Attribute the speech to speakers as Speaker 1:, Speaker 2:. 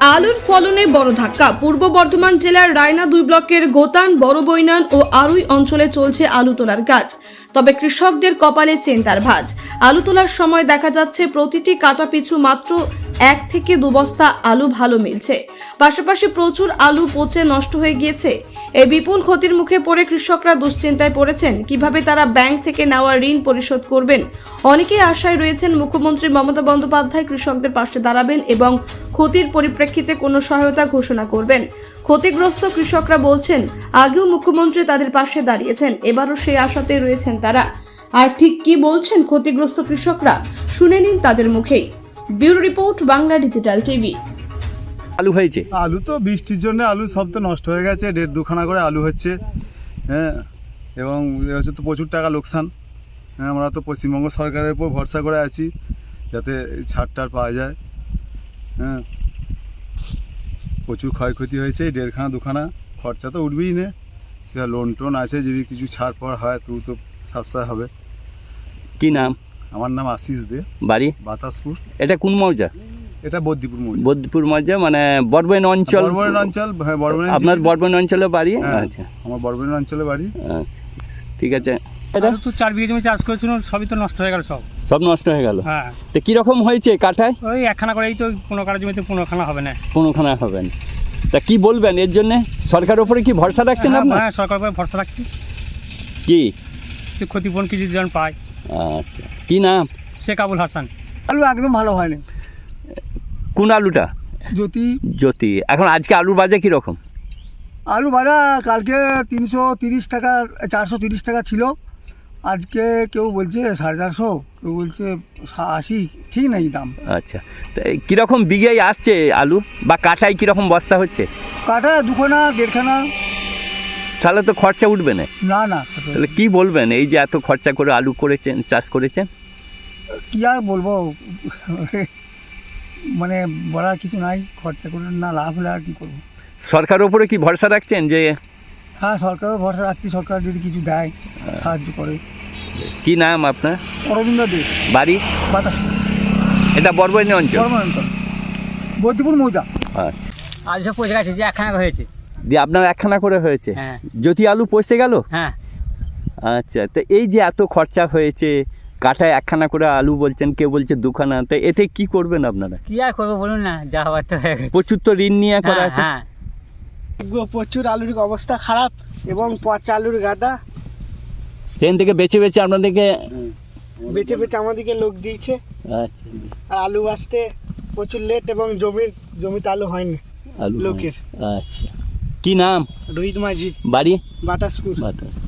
Speaker 1: আলুর ফলনে বড় ধাক্কা। পূর্ব বর্ধমান জেলার রায়না 2 ব্লকের গোতান, বড়বৈনান ও আরুই অঞ্চলে চলছে আলু তোলার কাজ। তবে কৃষকদের কপালে চিন্তার ভাঁজ। আলু তোলার সময় দেখা যাচ্ছে প্রতিটি কাটা পিছু মাত্র 1 থেকে 2 বস্তা আলু ভালো মিলছে, পাশাপাশি প্রচুর আলু পচে নষ্ট হয়ে গিয়েছে। এই বিপুল ক্ষতির মুখে পড়ে কৃষকরা দুশ্চিন্তায় পড়েছেন। কিভাবে তারা ব্যাংক থেকে নেওয়া ঋণ পরিশোধ করবেন? অনেকেই আশায় রয়েছেন মুখ্যমন্ত্রী মমতা বন্দ্যোপাধ্যায় কৃষকদের পাশে দাঁড়াবেন এবং ক্ষতির পরিপ্রেক্ষিতে কোনো সহায়তা ঘোষণা করবেন। ক্ষতিগ্রস্ত কৃষকরা বলছেন, আগেও মুখ্যমন্ত্রী তাদের পাশে দাঁড়িয়েছেন, এবারও সেই আশাতে রয়েছেন তারা। আর ঠিক কি বলছেন ক্ষতিগ্রস্ত কৃষকরা, শুনে নিন তাদের মুখেই। Bureau report, Bangla digital TV.
Speaker 2: আলু হয়েছে?
Speaker 3: আলু তো বৃষ্টির জন্য আলু সব তো নষ্ট হয়ে গেছে, 1.5-2খানা করে আলু হচ্ছে। হ্যাঁ, এবং হচ্ছে তো প্রচুর টাকা লোকসান। হ্যাঁ, আমরা তো পশ্চিমবঙ্গ সরকারের উপর ভরসা করে আছি যাতে ছাড় পাওয়া যায়। হ্যাঁ, প্রচুর ক্ষয়ক্ষতি হয়েছে, 1.5-2খানা খরচা তো উঠবেই না। সে লোন টোন আছে, যদি কিছু ছাড় পাওয়া হয় তো সাশ্রয় হবে।
Speaker 2: কি নাম?
Speaker 3: আমার নাম আশিস দে,
Speaker 2: বাড়ি
Speaker 3: বাতাসপুর।
Speaker 2: এটা কোন মৌজা?
Speaker 3: এটা বদ্দিপুর মৌজা।
Speaker 2: বদ্দিপুর মৌজা মানে বড়বৈন অঞ্চল?
Speaker 3: বড়বৈন অঞ্চল, হ্যাঁ বড়বৈন।
Speaker 2: আপনার বড়বৈন অঞ্চলে বাড়ি?
Speaker 3: হ্যাঁ,
Speaker 2: আচ্ছা,
Speaker 3: আমার বড়বৈন অঞ্চলে বাড়ি।
Speaker 2: ঠিক আছে।
Speaker 4: এটা তো 4 বিঘা জমি চাষ করেছিলাম, সবই তো নষ্ট হয়ে গেল,
Speaker 2: সব নষ্ট হয়ে গেল।
Speaker 4: হ্যাঁ,
Speaker 2: তো কিরকম হয়েছে কাঠায়?
Speaker 4: ওই একখানা করেই তো 15 কাঠা জমিতে 15খানা হবে না।
Speaker 2: কোনোখানা হবে না। তা কি বলবেন এর জন্য? সরকারের উপরে কি ভরসা রাখছেন আপনার?
Speaker 4: হ্যাঁ, সরকার উপরে ভরসা রাখছি,
Speaker 2: কি
Speaker 4: ক্ষতিপূরণ কিছু জন পায়।
Speaker 2: আচ্ছা, কি নাম?
Speaker 4: শেখ আবুল হাসান।
Speaker 5: আলু একদম ভালো হয়নি।
Speaker 2: কোন আলুটা? জ্যোতি। এখন আজকে আলুর বাজার কীরকম?
Speaker 5: আলু ভাজা কালকে 330 টাকা 430 টাকা ছিল, আজকে কেউ বলছে 450, কেউ বলছে 80, ঠিক নেই দাম।
Speaker 2: আচ্ছা, তা কীরকম বিঘায় আসছে আলু, বা কাঠায় কীরকম বস্তা হচ্ছে?
Speaker 5: কাঠা 2খানা 1.5খানা।
Speaker 2: তাহলে তো খরচা উঠবে না।
Speaker 5: না
Speaker 2: তাহলে কি বলবেন, এই যে এত খরচা করে আলু করেছেন, চাষ করেছেন?
Speaker 5: কি আর বলবো, মানে বলার কিছু নাই। খরচা করে না লাভ হলে আর কি করবো।
Speaker 2: সরকারের উপরে কি ভরসা রাখছেন যে?
Speaker 5: হ্যাঁ, সরকারও ভরসা রাখছি, সরকার যদি কিছু দেয়, সাহায্য করে।
Speaker 2: কি নাম আপনার?
Speaker 5: অরবিন্দ দে,
Speaker 2: বাড়ি?
Speaker 5: বাতাসপুর।
Speaker 2: এটা বড়বৈন অঞ্চল?
Speaker 5: অঞ্চল, বদ্দিপুর মৌজা।
Speaker 2: আচ্ছা,
Speaker 4: আলু সব পচে গেছে, যে একখানা হয়েছে।
Speaker 2: দিয়ে আপনার একখানা করে হয়েছে?
Speaker 4: হ্যাঁ।
Speaker 2: জ্যোতি আলু পচে গেল?
Speaker 4: হ্যাঁ।
Speaker 2: আচ্ছা, তো এই যে এত খরচা হয়েছে, কাঠায় একখানা করে আলু বলছেন, কেউ বলছে 2খানা, তো এতে কি করবেন আপনারা?
Speaker 4: কি আর করবো বলুন না, যা হওয়ার তো হয়ে গেছে।
Speaker 2: প্রচুর তো ঋণ নিয়ে করা আছে।
Speaker 4: হ্যাঁ,
Speaker 5: প্রচুর আলুর অবস্থা খারাপ এবং পচা আলুর গাদা।
Speaker 2: সেখান থেকে বেছে বেছে আপনাদেরকে
Speaker 5: বেছে আমাদেরকে লোক দিয়েছে।
Speaker 2: আচ্ছা,
Speaker 5: আর আলু আসতে প্রচুর লেট এবং জমিতে আলু হয়নি
Speaker 2: আলু
Speaker 5: লোকের।
Speaker 2: আচ্ছা, কি নাম?
Speaker 5: রোহিত মাঝি,
Speaker 2: বাড়ি?
Speaker 5: বাতাসপুর।
Speaker 2: বাতাস।